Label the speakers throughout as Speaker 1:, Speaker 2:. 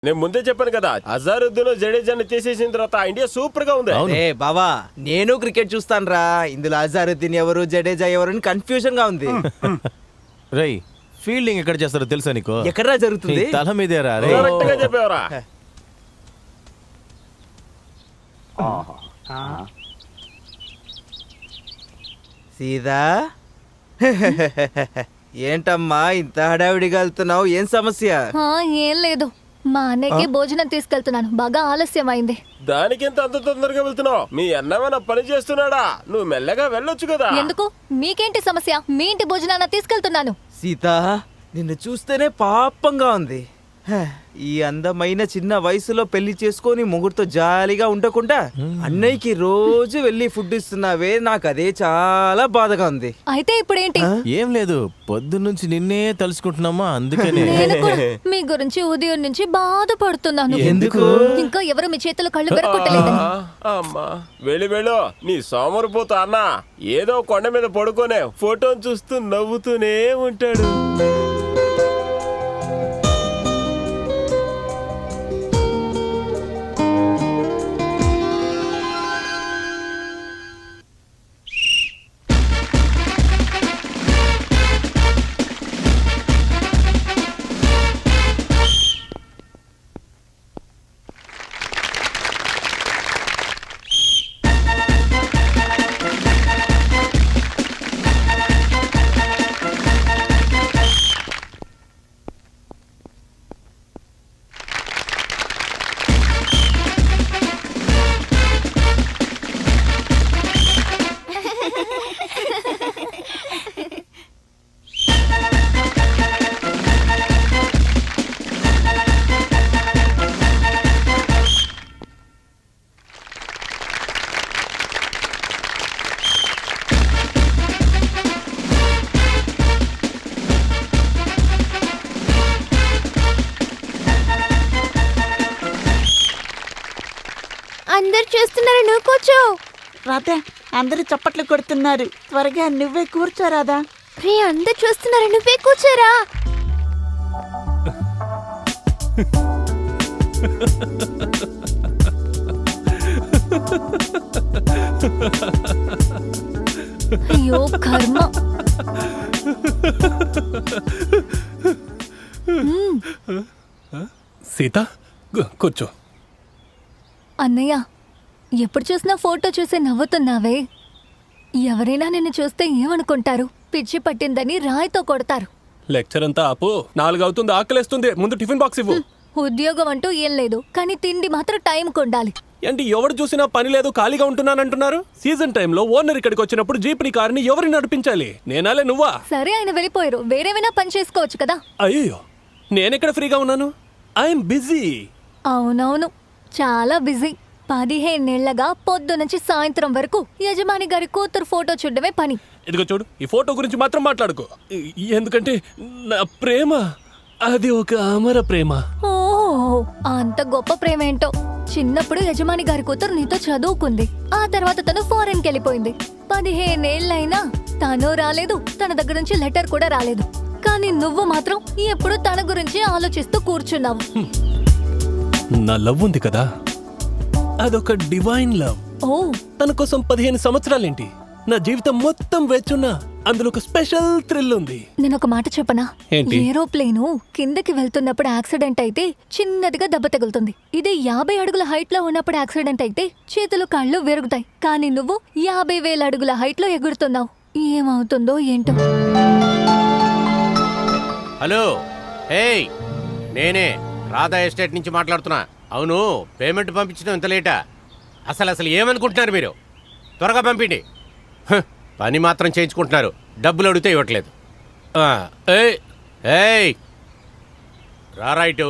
Speaker 1: నేను ముందే చెప్పాను కదా, అజారుద్దీన్ జడేజాని తీసేసిన తర్వాత ఇండియా సూపర్ గా ఉంది.
Speaker 2: ఏ బావా, నేను క్రికెట్ చూస్తాను రా. ఇందులో అజారుద్దీన్ ఎవరు, జడేజా ఎవరు అని కన్ఫ్యూజన్ గా ఉంది.
Speaker 3: రై ఫీల్డింగ్ ఎక్కడ చేస్తారో తెలుసా నీకు?
Speaker 2: ఎక్కడా జరుగుతుంది?
Speaker 3: తల మీదేరా రే.
Speaker 1: కరెక్ట్ గా చెప్పావరా.
Speaker 2: సీదా ఏంటమ్మా ఇంత హడావిడిగా వెళ్తున్నావు? ఏం సమస్య?
Speaker 4: ఏం లేదు, మా అన్నయ్యకి భోజనం తీసుకెళ్తున్నాను, బాగా ఆలస్యం అయింది.
Speaker 1: దానికి అంత తొందరగా వెళ్తున్నావు? మీ అన్నమన్న పని చేస్తున్నాడా? నువ్వు మెల్లగా వెళ్ళొచ్చు కదా.
Speaker 4: ఎందుకు? మీకేంటి సమస్య? మీ ఇంటి భోజనాన్ని తీసుకెళ్తున్నాను.
Speaker 2: సీత, నిన్ను చూస్తేనే పాపంగా ఉంది. ఈ అందమైన చిన్న వయసులో పెళ్లి చేసుకొని ముగ్గురుతో జాలీగా ఉండకుండా అన్నయ్యకి రోజు వెళ్ళి ఫుడ్ ఇస్తున్నావే, నాకు అదే చాలా బాధగా ఉంది.
Speaker 4: అయితే ఇప్పుడేంటి?
Speaker 3: ఏం లేదు, పొద్దున్నుంచి నిన్నే తలుసుకుంటున్నామా, అందుకనే.
Speaker 4: నేను కూడా మీ గురించి ఉదయం నుంచి బాధపడుతున్నాను.
Speaker 2: ఎందుకు?
Speaker 4: ఇంకా ఎవరు మీ చేతులు కళ్ళు పెరగొట్టలేదని.
Speaker 1: అమ్మా వెళ్ళు, నీ సోమరిపోతా అన్న ఏదో కొండ మీద పడుకోనే ఫోటోని చూస్తూ నవ్వుతూనే ఉంటాడు.
Speaker 4: అందరు చూస్తున్నారు, నువ్వు కూర్చో.
Speaker 5: రాధా, అందరూ చప్పట్లు కొడుతున్నారు, త్వరగా నువ్వే కూర్చో రాధా.
Speaker 4: రే, అందరు చూస్తున్నారు, నువ్వే కూర్చోరా. అయ్యో కర్మ.
Speaker 6: సీత కూర్చో.
Speaker 4: అన్నయ్య, ఎప్పుడు చూసినా ఫోటో చూసి నవ్వుతున్నావే. ఎవరైనా నిన్ను చూస్తే ఏమనుకుంటారు? పిచ్చి పట్టిందని రాయితో కొడతారు.
Speaker 6: లెక్చర్ అంతా ఆపు, 4 అవుతుంది, ఆకలేస్తుంది, ముందు టిఫిన్ బాక్స్ ఇవ్వు.
Speaker 4: ఉద్యోగం అంటూ ఏం లేదు, కానీ తిండి మాత్రం టైంకి ఉండాలి.
Speaker 6: ఏంటి ఎవరు చూసినా పని లేదు, ఖాళీగా ఉంటున్నానంటున్నారు? సీజన్ టైంలో ఓనర్ ఇక్కడికి వచ్చినప్పుడు జీప్ని కారుని ఎవరిని నడిపించాలి? నేనాలే నువ్వా?
Speaker 4: సరే, ఆయన వెళ్ళిపోయారు, వేరేమైనా పని చేసుకోవచ్చు కదా.
Speaker 6: అయ్యో, నేనెక్కడ ఫ్రీగా ఉన్నాను? I'm busy.
Speaker 4: అవునవును, చాలా బిజీ. 15 ఏళ్లగా పొద్దు నుంచి సాయంత్రం వరకు యజమాని గారి కూతురు ఫోటో చూడడమే పని.
Speaker 6: ఇదిగో చూడు, ఈ ఫోటో గురించి మాత్రం మాట్లాడుకో. ఎందుకంటే నా ప్రేమ అది ఒక అమర ప్రేమ.
Speaker 4: ఓ, అంత గొప్ప ప్రేమ ఏంటో. చిన్నప్పుడు యజమాని గారి కూతురు నీతో చదువుకుంది, ఆ తర్వాత తను ఫారెన్కి వెళ్ళిపోయింది. 15 ఏళ్ళైనా తను రాలేదు, తన దగ్గర నుంచి లెటర్ కూడా రాలేదు. కానీ నువ్వు మాత్రం ఎప్పుడు తన గురించి ఆలోచిస్తూ కూర్చున్నావు.
Speaker 6: నా లవ్ ఉంది కదా, అదొక డివైన్ లవ్.
Speaker 4: ఓ,
Speaker 6: తన కోసం 15 సంవత్సరాలేంటి, నా జీవితం మొత్తం వేచున్నా అందులో ఒక స్పెషల్ థ్రిల్ ఉంది.
Speaker 4: నేను ఒక మాట చెప్పనా?
Speaker 6: ఏంటి?
Speaker 4: ఏరోప్లేను కిందకి వెళ్తున్నప్పుడు యాక్సిడెంట్ అయితే చిన్నదిగా దెబ్బ తగులుతుంది. ఇదే 50 అడుగుల హైట్ లో ఉన్నప్పుడు యాక్సిడెంట్ అయితే చేతులు కాళ్ళు విరుగుతాయి. కానీ నువ్వు 50,000 అడుగుల హైట్ లో ఎగురుతున్నావు. ఏమవుతుందో ఏంటో.
Speaker 7: హలో, ఏయ్, నేనే రాధా ఎస్టేట్ నుంచి మాట్లాడుతున్నా. అవును, పేమెంట్ పంపించడం ఇంత లేటా? అసలు ఏమనుకుంటున్నారు మీరు? త్వరగా పంపిండి. పని మాత్రం చేయించుకుంటున్నారు, డబ్బులు అడిగితే ఇవ్వట్లేదు. ఏయ్ ఏయ్, రా రైటు.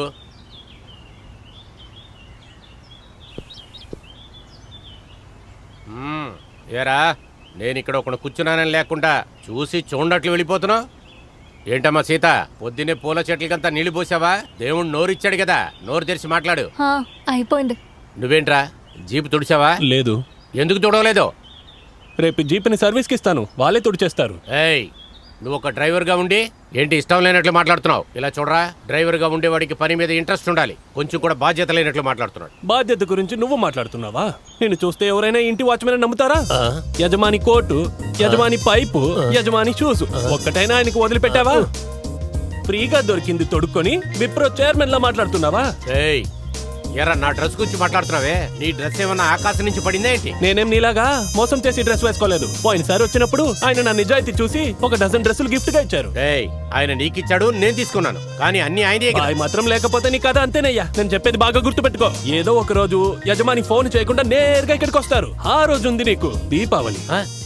Speaker 7: ఏరా, నేను ఇక్కడ ఒకడు కూర్చున్నానని లేకుండా చూసి చూడట్లు వెళ్ళిపోతున్నావు ఏంటమ్మా? సీత, పొద్దున్నే పూల చెట్లకంతా నీళ్లు పోసావా? దేవుడు నోరిచ్చాడు కదా, నోరు తెరిచి మాట్లాడు.
Speaker 4: అయిపోయింది.
Speaker 7: నువ్వేంట్రా, జీపు తుడిచావా?
Speaker 6: లేదు.
Speaker 7: ఎందుకు తుడవలేదు?
Speaker 6: రేపు జీప్ని సర్వీస్కి ఇస్తాను, వాళ్ళే తుడిచేస్తారు.
Speaker 7: ఏయ్, నువ్వు ఒక డ్రైవర్గా ఉండి ఏంటి ఇష్టం లేనట్లు మాట్లాడుతున్నావు? ఇలా చూడరా, డ్రైవర్గా ఉండేవాడికి పని మీద ఇంట్రెస్ట్ ఉండాలి, కొంచెం కూడా బాధ్యత లేనట్లు మాట్లాడుతున్నాడు.
Speaker 6: బాధ్యత గురించి నువ్వు మాట్లాడుతున్నావా? నిన్ను చూస్తే ఎవరైనా ఇంటి వాచ్మెన్ నమ్ముతారా? యజమాని కోటు, యజమాని పైపు, యజమాని షూస్ ఒక్కటైనా ఆయనకు వదిలిపెట్టావా? ఫ్రీగా దొరికింది తొడుక్కొని విప్రో చైర్మన్ లా మాట్లాడుతున్నావా?
Speaker 7: ఏయ్, ఎరా నా డ్రెస్ గురించి మాట్లాడుతున్నావే? నీ డ్రెస్ ఏమన్నా ఆకాశం నుంచి పడిందా ఏంటి?
Speaker 6: నేనేం నీలాగా మోసం చేసి డ్రెస్ వేసుకోలేదు. పోయినసారి వచ్చినప్పుడు ఆయన నా నిజాయితీ చూసి ఒక డజన్ డ్రెస్సులు గిఫ్ట్ గా ఇచ్చారు.
Speaker 7: ఏయ్, ఆయన నీకిచ్చాడు, నేను తీసుకున్నాను, కానీ అన్ని ఆయనే కదా.
Speaker 6: బాయ్ మాత్రం లేకపోతే నీ కథ అంతేనయ్యా. నేను చెప్పేది బాగా గుర్తుపెట్టుకో. ఏదో ఒక రోజు యజమాని ఫోన్ చేయకుండా నేరుగా ఇక్కడికి వస్తారు. ఆ రోజు ఉంది నీకు దీపావళి.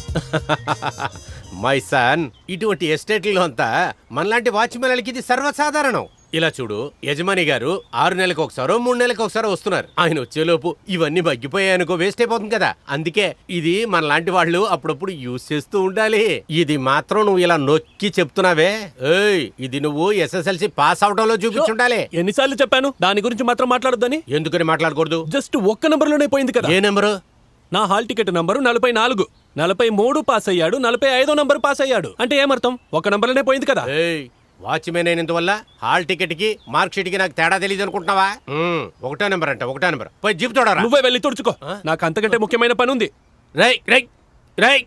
Speaker 7: మై సన్, ఇటువంటి ఎస్టేట్లలో అంతా మనలాంటి వాచ్మెన్లకి ఇది సర్వసాధారణం. ఇలా చూడు, యజమాని గారు 6 నెలలకు ఒకసారో 3 నెలలకు ఒకసారో వస్తున్నారు. ఆయన వచ్చేలోపు ఇవన్నీ మగ్గిపోయాయనుకో వేస్ట్ అయిపోతుంది కదా. అందుకే ఇది మనలాంటి వాళ్ళు అప్పుడప్పుడు యూజ్ చేస్తూ ఉండాలి. ఇది మాత్రం నువ్వు ఇలా నొక్కి చెప్తున్నావే, ఏయ్, ఇది నువ్వు SSLC పాస్ అవడంలో చూపించుండాలి.
Speaker 6: ఎన్నిసార్లు చెప్పాను దాని గురించి మాత్రం మాట్లాడొద్దని?
Speaker 7: ఎందుకని మాట్లాడకూడదు?
Speaker 6: జస్ట్ ఒక్క నంబర్లోనే పోయింది కదా.
Speaker 7: ఏ నెంబరు?
Speaker 6: నా హాల్ టికెట్ నంబరు 44, 43 పాస్ అయ్యాడు, 45వ నంబర్ పాస్ అయ్యాడు. అంటే ఏమర్థం? ఒక నంబర్లోనే పోయింది కదా.
Speaker 7: ఏయ్, వాచ్మెన్ అయినందువల్ల హాల్ టికెట్ కి మార్క్ షీట్ కి నాకు తేడా తెలియదు అనుకుంటున్నావా? 1వ నెంబర్ అంట, 1వ నెంబర్. పోయి జీప్ తోడరా.
Speaker 6: నువ్వే వెళ్ళి తుడుచుకో. నాకు అంతకంటే ముఖ్యమైన పని ఉంది.
Speaker 7: రై రై రై.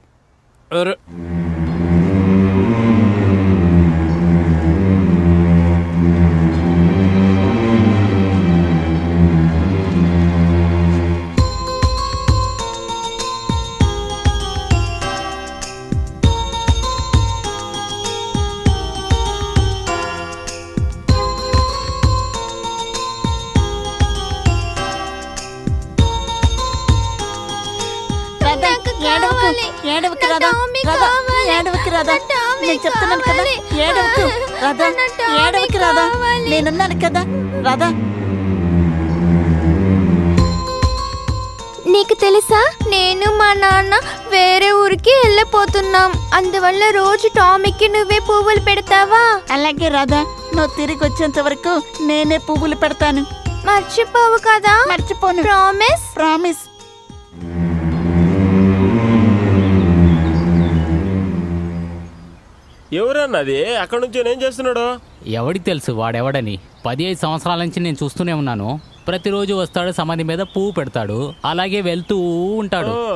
Speaker 5: రాధా, ఏడవకు రాధా, రాధా, ఏడవకు రాధా, నేను చెప్తున్నాను కదా, ఏడవకు రాధా, ఏడవకు రాధా, నేనున్నాను కదా రాధా.
Speaker 8: నీకు తెలుసా, నేను మా నాన్న వేరే ఊరికి వెళ్ళిపోతున్నాం. అందువల్ల రోజు టామీకి నువ్వే పువ్వులు పెడతావా?
Speaker 5: అలాగే రాధా, నువ్వు తిరిగి వచ్చేంత వరకు నేనే పువ్వులు పెడతాను.
Speaker 8: మర్చిపోవు కదా?
Speaker 5: మర్చిపోను.
Speaker 8: ప్రామిస్?
Speaker 5: ప్రామిస్.
Speaker 1: ఎవరన్నది? అక్కడ నుంచి ఏం చేస్తున్నాడు?
Speaker 9: ఎవడికి తెలుసు వాడెవడని. 15 సంవత్సరాల నుంచి నేను చూస్తూనే ఉన్నాను. ప్రతిరోజు వస్తాడు, సమాధి మీద పువ్వు పెడతాడు, అలాగే వెళ్తూ ఉంటాడు.
Speaker 1: ఓ,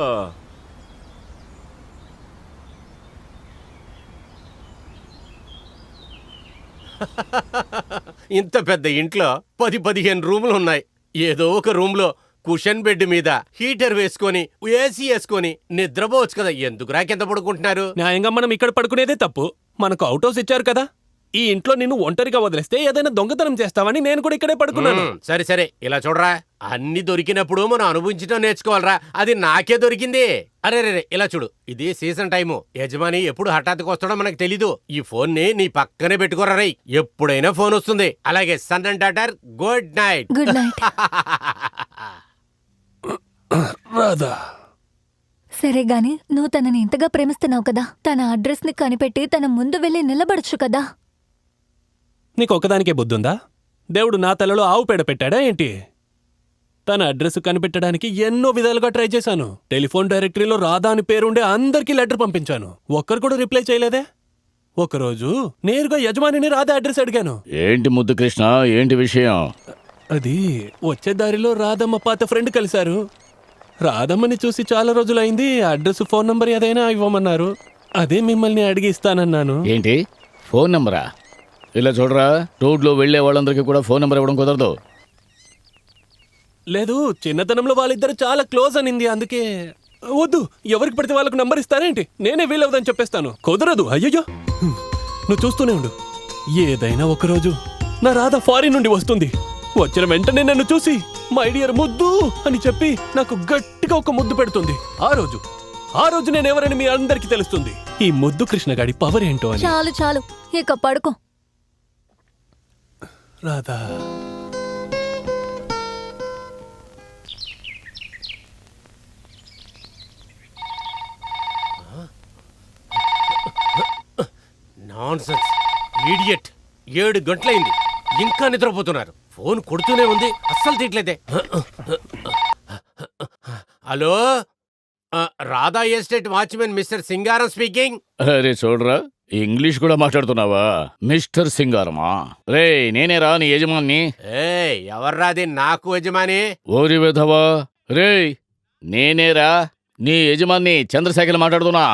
Speaker 7: ఇంత పెద్ద ఇంట్లో 10-15 రూములు ఉన్నాయి. ఏదో ఒక రూమ్ లో కుషన్ బెడ్ మీద హీటర్ వేసుకొని ఏసీ వేసుకొని నిద్రపోవచ్చు కదా. ఎందుకు రాకెంత పడుకుంటున్నారు?
Speaker 6: న్యాయంగా మనం ఇక్కడ పడుకునేదే తప్పు. మనకు అవుట్ హౌస్ ఇచ్చారు కదా. ఈ ఇంట్లో నిన్ను ఒంటరిగా వదిలేస్తే ఏదైనా దొంగతనం చేస్తావని నేను కూడా ఇక్కడే పడుకున్నాను.
Speaker 7: సరే సరే, ఇలా చూడరా, అన్ని దొరికినప్పుడు మనం అనుభవించడం నేర్చుకోవాలరా. అది నాకే దొరికింది. అరే రే, ఇలా చూడు, ఇది సీజన్ టైము. యజమాని ఎప్పుడు హఠాత్తుగా వస్తాడో మనకు తెలీదు. ఈ ఫోన్ ని నీ పక్కనే పెట్టుకోరా రై, ఎప్పుడైనా ఫోన్ వస్తుంది. అలాగే son and daughter, good night.
Speaker 4: Good night.
Speaker 6: Radha,
Speaker 4: సరే గాని నువ్వు తనని ఇంతగా ప్రేమిస్తున్నావు కదా, తన అడ్రస్ ని కనిపెట్టి తన ముందు వెళ్ళి నిలబడచ్చు కదా.
Speaker 6: నీకు ఒక్కదానికే బుద్ధుందా? దేవుడు నా తలలో ఆవు పేడ పెట్టాడా ఏంటి? తన అడ్రస్ కనిపెట్టడానికి ఎన్నో విధాలుగా ట్రై చేశాను. టెలిఫోన్ డైరెక్టరీలో రాధా అని పేరుండే అందరికీ లెటర్ పంపించాను. ఒక్కరు కూడా రిప్లై చేయలేదే. ఒకరోజు నేరుగా యజమానిని రాధా అడ్రస్ అడిగాను.
Speaker 10: ఏంటి ముద్దు కృష్ణ, ఏంటి విషయం?
Speaker 6: అది వచ్చే దారిలో రాధమ్మ పాత ఫ్రెండ్ కలిశారు. రాధమ్మని చూసి చాలా రోజులైంది, అడ్రస్ ఫోన్ నంబర్ ఏదైనా ఇవ్వమన్నారు. అదే మిమ్మల్ని అడిగి ఇస్తానన్నాను.
Speaker 10: ఏంటి ఫోన్ నెంబరా? ఇలా చూడరా, రోడ్లో వెళ్లే వాళ్ళందరికీ కూడా ఫోన్ నెంబర్ ఇవ్వడం కుదరదు.
Speaker 6: లేదు, చిన్నతనంలో వాళ్ళిద్దరు చాలా క్లోజ్ అనింది, అందుకే. వద్దు, ఎవరికి పడితే వాళ్ళకు నంబర్ ఇస్తారేంటి? నేనే వీలవుదని చెప్పేస్తాను. కుదరదు. అయ్యయ్యో, నువ్వు చూస్తూనే ఉండు. ఏదైనా ఒకరోజు నా రాధ ఫారిన్ నుండి వస్తుంది. వచ్చిన వెంటనే నన్ను చూసి మై డియర్ ముద్దు అని చెప్పి నాకు గట్టిగా ఒక ముద్దు పెడుతుంది. ఆ రోజు నేను ఎవరని మీ అందరికీ తెలుస్తుంది. ఈ ముద్దు కృష్ణగాడి పవర్ ఏంటో అని.
Speaker 4: చాలు చాలు, ఇక పడుకో.
Speaker 6: Radha,
Speaker 7: nonsense, idiot. 7 గంటలైంది, ఇంకా నిద్రపోతున్నారు. ఫోన్ కొడుతూనే ఉంది, అస్సలు తీయట్లేదే. Hello, Radha estate watchman mister Singaram speaking.
Speaker 10: అరే చూడరా, ఇంగ్లీష్ కూడా మాట్లాడుతున్నావా మిస్టర్ సింగారమా? రే నేనే రా నీ యజమాన్ని.
Speaker 7: ఎవర్రాది నాకు యజమాని?
Speaker 10: ఓరి విధవా, రే నేనేరా నీ యజమాన్ని చంద్రశేఖర్ మాట్లాడుతున్నా.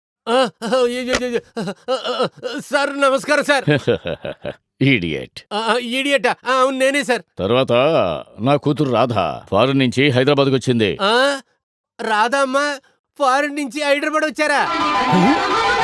Speaker 7: సార్ నమస్కారం సార్.
Speaker 10: ఈడియట్.
Speaker 7: ఈడియట్? అవును నేనే సార్.
Speaker 10: తర్వాత నా కూతురు రాధ ఫారెన్ నుంచి హైదరాబాద్కి వచ్చింది.
Speaker 7: రాధా అమ్మ ఫారెన్ నుంచి హైదరాబాద్ వచ్చారా?